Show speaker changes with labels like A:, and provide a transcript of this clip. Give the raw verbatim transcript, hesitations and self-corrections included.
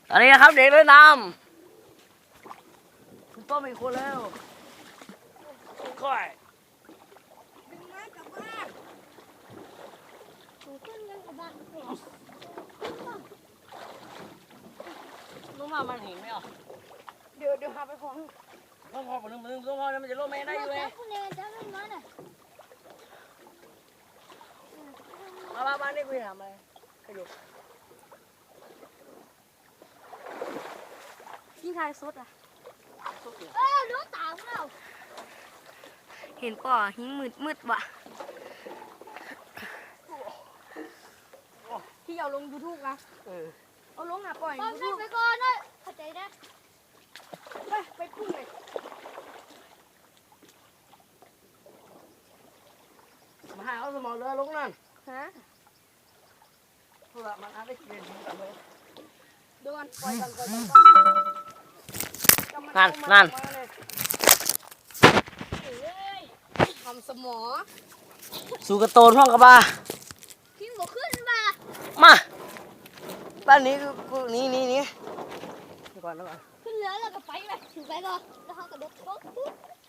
A: ตอนนี้นะครับเด็กเล่นน้ำคุณต้มอีกคนแล้วค่อย
B: ดึงไม้กลับบ้านหนูขึ้นยังกลับบ้านเหรอ
A: รู้ว่ามันเห็นไหมอ่ะ
B: เดี๋ยวเดี๋ยวหาไปของ
A: ต้องพอคนนึงมันต้องพอแล้วมันจะโลแม่ได้อยู่ไง
B: คุณเรียนจะไม่มาน่ะ
A: มาบ้านบ้านนี่คุยทำอะไรไปดู
B: ยิ่งทายสดอ่ะ
A: สุกอยู่
B: เออดูตาของเราเห็นป่อหิ้งมืดมืดว่ะที่เอาลงยูทูบนะ
A: เออ
B: เอาลงอ่ะปล่อยยูทูบไปก่อนนะเข้าใจนะไปไปพุ่งเลย
A: มาหาเอาสมองเรือลงนั่น
B: ฮะ
A: โทรศัพท์มันอาจได้เปลี่ยนกันเลย
B: ดูกันปล่อยกันปล่อยกัน
A: นั่นนั่น
B: ทำสมอ
A: สู่กระโตนห้องกับบ้า
B: พี่บอกขึ้นมา
A: มาบ้านนี้กูนี่นี่นี่เดี๋ยวก่อนเดี๋ยวก่อน
B: ขึ้นเรือแล้วก็ไปไปถึงไปก่อนแล้วเขากระโดดโต๊ะปุ๊บ